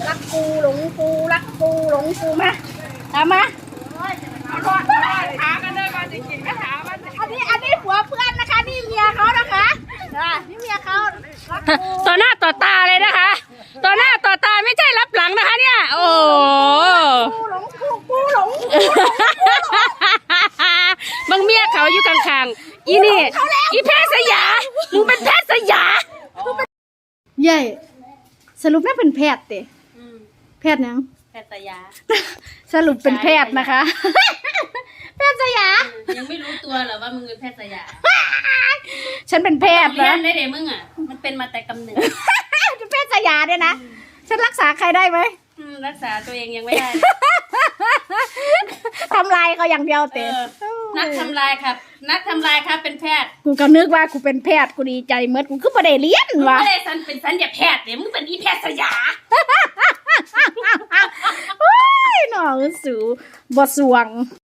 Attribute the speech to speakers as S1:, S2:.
S1: รักกูหลงกูรักกูหลงกูมาตามมาถามกันเลยมาจริงๆก็ถามมันอันนี้ผัวเพื่อนนะคะนี่เมียเขานะคะนี่เมียเขา
S2: ต่อหน้าต่อตาเลยนะคะต่อหน้าต่อตาไม่ใช่รับหลังนะคะเนี่ยโอ้
S1: กูหลงกูหลง
S2: บางเมียเขาอยู่ข้างๆอีนี่อีแพทย์สยามึงเป็นแพทย์สยา
S1: ใหญ่สรุปแม่เป็นแพทย์เตะแพทย์ยัง
S2: แพทย์สยา
S1: สรุปเป็นแพทย์นะคะแพทย์สยา
S2: ยังไม่รู้ตัวเหรอว่ามึงเป็นแพทย์สยา
S1: ฉันเป็นแพทย์นะ
S2: ได้เด็มึงอ่ะมันเป็นมาแต่กำเนิด
S1: แพทย์สยาเนี่ยนะฉันรักษาใครได้ไหม
S2: รักษาตัวเองยังไม่ได้
S1: ทำลายเขาอย่างเดียวเตะ
S2: นักทำลายครับนักทำลายครับเป็นแพทย์
S1: กูก็นึกว่ากูเป็นแพทย์กูดีใจเมื่อกูคือประเดี๋ยวเรียนวะ
S2: ไม่ได้เป็นสัญญาแพทย์เดี๋ยวมึงเป็นอีแพทย์สยา
S1: โอ้ยหนอสูบ่สวง